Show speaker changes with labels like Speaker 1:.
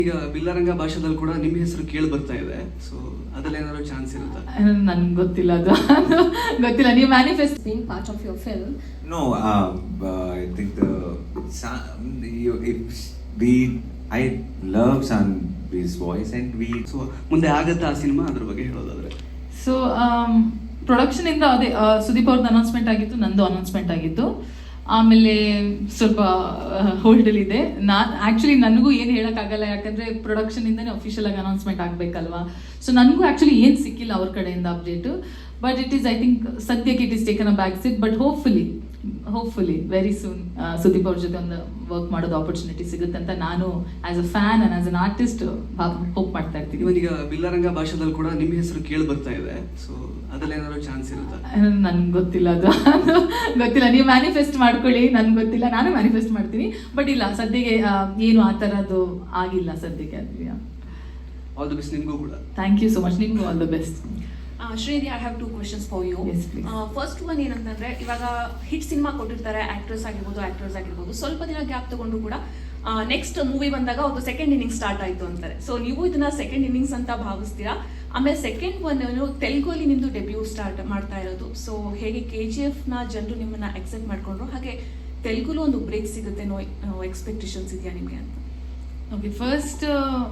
Speaker 1: ಈಗ ಬಿಲ್ಲರಂಗ ಭಾಷೆದಲ್ಲಿ ಕೂಡ ನಿಮ್ಮ ಹೆಸರು ಕೇಳಿ ಬರ್ತಾ ಇದೆ, ಸೊ ಅದ್ರಲ್ಲಿ ಏನಾದ್ರು ಚಾನ್ಸ್ ಇರುತ್ತಾ?
Speaker 2: ನನ್ಗೆ ಗೊತ್ತಿಲ್ಲ, ಅದು ಗೊತ್ತಿಲ್ಲ. ನೀವು manifest
Speaker 3: being part of your film.
Speaker 4: No, I think I love Sanvi's voice and
Speaker 1: so ಮುಂದೆ ಆಗತ್ತಾ ಆ ಸಿನಿಮಾ, ಅದ್ರ ಬಗ್ಗೆ ಹೇಳೋದಾದ್ರೆ?
Speaker 2: ಸೊ ಪ್ರೊಡಕ್ಷನ್ ಇಂದ ಅದೇ ಸುದೀಪ್ ಅವ್ರದ್ದು ಅನೌನ್ಸ್ಮೆಂಟ್ ಆಗಿತ್ತು, ನಂದು ಅನೌನ್ಸ್ಮೆಂಟ್ ಆಗಿತ್ತು. ಆಮೇಲೆ ಸ್ವಲ್ಪ ಹೋಲ್ಡಲ್ಲಿ ಇದೆ. ಆ್ಯಕ್ಚುಲಿ ನನಗೂ ಏನು ಹೇಳೋಕ್ಕಾಗಲ್ಲ, ಯಾಕಂದರೆ ಪ್ರೊಡಕ್ಷನಿಂದನೇ ಅಫಿಷಿಯಲ್ ಆಗಿ ಅನೌನ್ಸ್ಮೆಂಟ್ ಆಗಬೇಕಲ್ವಾ. ಸೊ ನನಗೂ ಆ್ಯಕ್ಚುಲಿ ಏನು ಸಿಕ್ಕಿಲ್ಲ ಅವ್ರ ಕಡೆಯಿಂದ update. But it is, I think ಸದ್ಯಕ್ಕೆ it is taken a back seat. But hopefully very soon Sudeep ಅವ್ರ ಜೊತೆ ಒಂದು ವರ್ಕ್ ಮಾಡೋದು ಆಪರ್ಚುನಿಟಿ ಸಿಗುತ್ತೆ ಅಂತ ನಾನು as a fan and as an artist hope ಮಾಡ್ತಾ ಇರ್ತೀನಿ.
Speaker 1: ಇವನೀಗ ಬಿಲ್ಲರಂಗ ಭಾಷೆದಲ್ಲಿ ಕೂಡ ನಿಮ್ಮ ಹೆಸರು ಕೇಳಿ ಬರ್ತಾ ಇದೆ, ಸೊ ಅದ್ರಲ್ಲಿ ಏನಾದ್ರು ಚಾನ್ಸ್ ಇರುತ್ತಾ?
Speaker 2: ನನ್ಗೆ ಗೊತ್ತಿಲ್ಲ, ಅದು ಗೊತ್ತಿಲ್ಲ. ನೀವು ಮ್ಯಾನಿಫೆಸ್ಟ್ ಮಾಡ್ಕೊಳ್ಳಿ, ನನ್ಗೆ ಗೊತ್ತಿಲ್ಲ, ನಾನು ಮ್ಯಾನಿಫೆಸ್ಟ್ ಮಾಡ್ತೀನಿ. ಬಟ್ ಇಲ್ಲ, ಸದ್ಯಕ್ಕೆ ಏನು ಆ ಥರದ್ದು ಆಗಿಲ್ಲ ಸದ್ಯಕ್ಕೆ. ಅದು
Speaker 1: ಆಲ್ ದಿ ಬೆಸ್ಟ್ ನಿಮಗೂ ಕೂಡ.
Speaker 2: Thank you so much. ನಿಮಗೂ all the best.
Speaker 3: Shridi, I have 2 questions for you.
Speaker 2: Yes, please.
Speaker 3: First one ಏನಂತಂದ್ರೆ, ಇವಾಗ ಹಿಟ್ ಸಿನಿಮಾ ಕೊಟ್ಟಿರ್ತಾರೆ, ಆಕ್ಟರ್ಸ್ ಆಗಿರ್ಬೋದು, ಸ್ವಲ್ಪ ದಿನ ಗ್ಯಾಪ್ ತಗೊಂಡು ಕೂಡ ನೆಕ್ಸ್ಟ್ ಮೂವಿ ಬಂದಾಗ ಒಂದು ಸೆಕೆಂಡ್ ಇನ್ನಿಂಗ್ಸ್ ಸ್ಟಾರ್ಟ್ ಆಯ್ತು ಅಂತಾರೆ. ಸೊ ನೀವು ಇದನ್ನ ಸೆಕೆಂಡ್ ಇನ್ನಿಂಗ್ಸ್ ಅಂತ ಭಾವಿಸ್ತೀರಾ? ಆಮೇಲೆ ಸೆಕೆಂಡ್ ಒನ್ ತೆಲುಗಲ್ಲಿ ನಿಮ್ದು ಡೆಬ್ಯೂ ಸ್ಟಾರ್ಟ್ ಮಾಡ್ತಾ ಇರೋದು. ಸೊ ಹೇಗೆ KGF ನ ಜನರು ನಿಮ್ಮನ್ನ ಎಕ್ಸೆಪ್ಟ್ ಮಾಡ್ಕೊಂಡ್ರು, ಹಾಗೆ ತೆಲುಗುಲು ಒಂದು ಬ್ರೇಕ್ ಸಿಗುತ್ತೆ ಎಕ್ಸ್ಪೆಕ್ಟೇಷನ್ಸ್ ಇದೆಯಾ ನಿಮಗೆ ಅಂತ?
Speaker 2: Okay, first